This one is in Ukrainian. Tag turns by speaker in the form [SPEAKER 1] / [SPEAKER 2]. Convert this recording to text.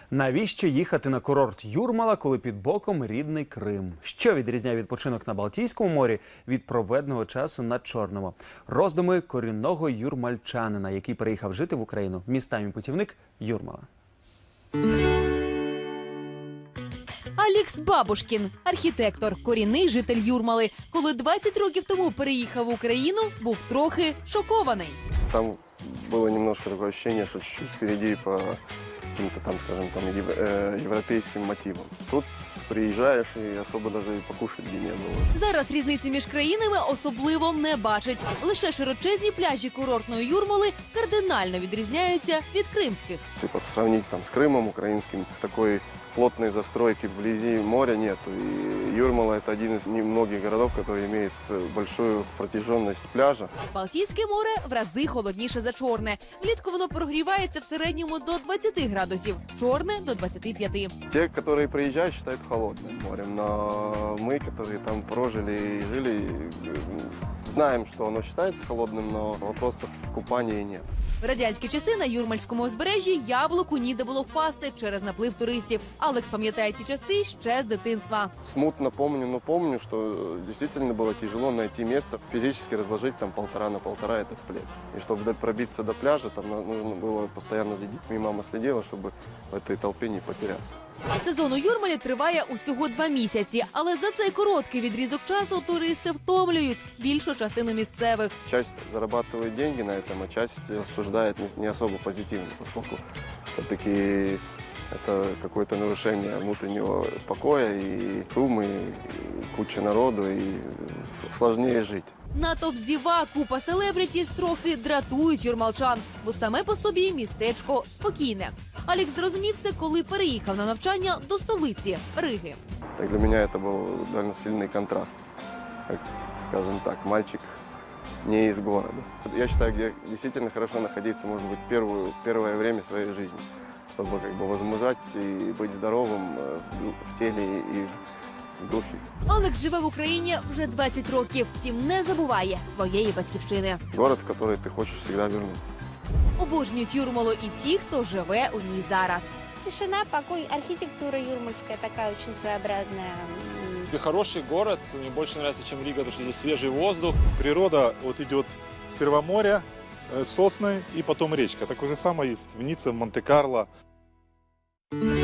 [SPEAKER 1] Навіщо їхати на курорт Юрмала, коли під боком рідний Крим? Що відрізняє відпочинок на Балтійському морі від проведеного часу на Чорному? Роздуми корінного юрмальчанина, який переїхав жити в Україну. Містами путівник Юрмала.
[SPEAKER 2] Алекс Бабушкін – архітектор, корінний житель Юрмали. Коли 20 років тому переїхав в Україну, був трохи шокований.
[SPEAKER 3] Там было немножко такое ощущение, что чуть-чуть впереди по каким-то там, скажем, там европейским мотивам. Тут приезжаешь и особо даже и покушать где не было.
[SPEAKER 2] Зараз різниці між країнами особливо не бачить. Лише широчезні пляжі курортної Юрмали кардинально відрізняються від кримських.
[SPEAKER 3] Если сравнить там с Крымом украинским, такой плотной застройки вблизи моря нет. И Юрмала – это один из немногих городов, который имеет большую протяженность пляжа.
[SPEAKER 2] Балтійське море в рази холодніше за Чорне. Влітку воно прогрівається в середньому до 20 градусів, Чорне – до 25.
[SPEAKER 3] Те, которые приезжают, считают холодным морем. Но мы, которые там прожили и жили, знаем, что оно считается холодным, но вопросов в купании нет.
[SPEAKER 2] В радянські часи на Юрмальському узбережжі яблуку ніде було впасти через наплив туристів. Алекс пам'ятає ті часи ще з дитинства.
[SPEAKER 3] Смутно помню, но помню, что действительно было тяжело найти место, физически разложить там 1,5 на 1,5 этот плед. И чтобы пробиться до пляжа, там нужно было постоянно за детьми. Мама следила, чтобы в этой толпе не потеряться.
[SPEAKER 2] Сезон у Юрмалі триває усього 2 місяці, але за цей короткий відрізок часу туристи втомлюють більшу частину місцевих.
[SPEAKER 3] Часть зарабатывает деньги на этом, а часть осуждает не особо позитивно, поскольку все-таки это какое-то нарушение внутреннего покоя и шум, и куча народу, и сложнее жить.
[SPEAKER 2] Натовп зіва, купа селебритіс трохи дратують юрмалчан, бо саме по собі містечко спокійне. Алекс зрозумів це, коли переїхав на навчання до столиці – Риги.
[SPEAKER 3] Так для меня это был довольно сильный контраст. Как, скажем так, мальчик не из города. Я считаю, где действительно хорошо находиться, может быть, первое время своей жизни, чтобы как бы возмужать и быть здоровым в теле и в духе.
[SPEAKER 2] Алекс живе в Україні вже 20 років, втім не забуває своєї батьківщини.
[SPEAKER 3] Город, в который ты хочешь всегда вернуться.
[SPEAKER 2] Обожнюють Юрмалу і ті, хто живе у ній зараз.
[SPEAKER 4] Тишина, покой, архитектура юрмальская такая очень своеобразная.
[SPEAKER 5] Хороший город, мне больше нравится, чем Рига, потому что здесь свежий воздух. Природа вот идет сперва море, сосны и потом речка. Такое же самое есть в Ницце, в Монте-Карло.